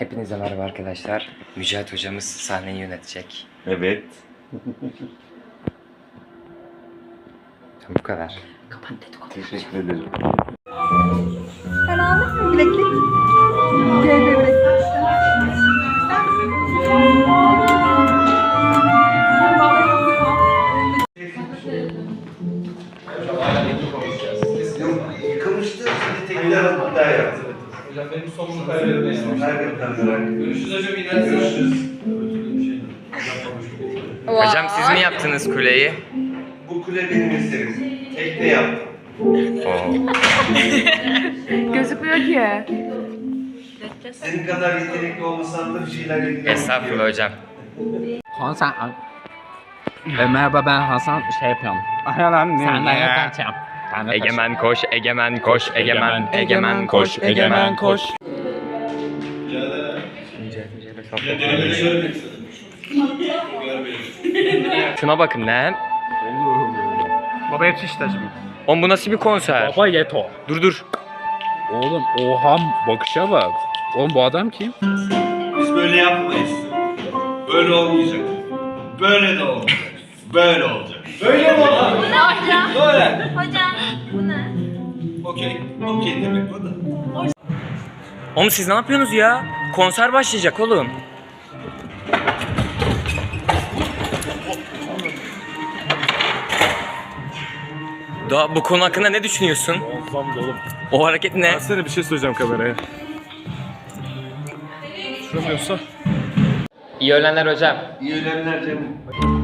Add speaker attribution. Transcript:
Speaker 1: Hepinize merhaba arkadaşlar. Mücahit hocamız sahneyi yönetecek.
Speaker 2: Evet.
Speaker 1: Bu kadar.
Speaker 3: Kapat dedikodu.
Speaker 2: Teşekkür ederim.
Speaker 3: Sen aldın mı bileklik? Gel bebek.
Speaker 2: Yıkılmıştı, şimdi tekrar daha yaptı.
Speaker 4: Hocam benim somumu kaybetmeyin.
Speaker 2: Görüşürüz hocam,
Speaker 4: Görüşürüz.
Speaker 1: Hocam siz mi yaptınız kuleyi?
Speaker 2: Bu kule benim eserim. Tekte yaptım.
Speaker 3: Gözükmüyor ki.
Speaker 2: Senin kadar yetenekli olmasam da bir şeyler yapıyorum.
Speaker 1: Estağfurullah hocam.
Speaker 5: Hasan. Merhaba, ben Hasan, şey yapıyorum. Senden yaklaşacağım.
Speaker 1: Egemen koş, egemen koş, egemen, egemen koş, egemen koş. Şuna bakın lan.
Speaker 5: Baba yetiş de şimdi.
Speaker 1: Oğlum bu nasıl bir konser?
Speaker 5: Baba yeto.
Speaker 1: Dur.
Speaker 5: Oğlum oha, bakışa bak. Oğlum bu adam kim?
Speaker 2: Biz böyle yapmayız. Böyle olmayacak. Böyle de olmayacak. Böyle olacak. Böyle mi olacak?
Speaker 6: Hocam.
Speaker 2: Böyle.
Speaker 6: Hocam bu ne?
Speaker 2: Okey. Okey demek bu da.
Speaker 1: Oğlum siz ne yapıyorsunuz ya? Konser başlayacak oğlum. Daha bu konu hakkında ne düşünüyorsun?
Speaker 7: Olsam da oğlum.
Speaker 1: O hareket ne?
Speaker 7: Ben sana bir şey söyleyeceğim kameraya. Şuramıyorsa.
Speaker 1: İyi öğlenler hocam.
Speaker 2: İyi öğlenler canım.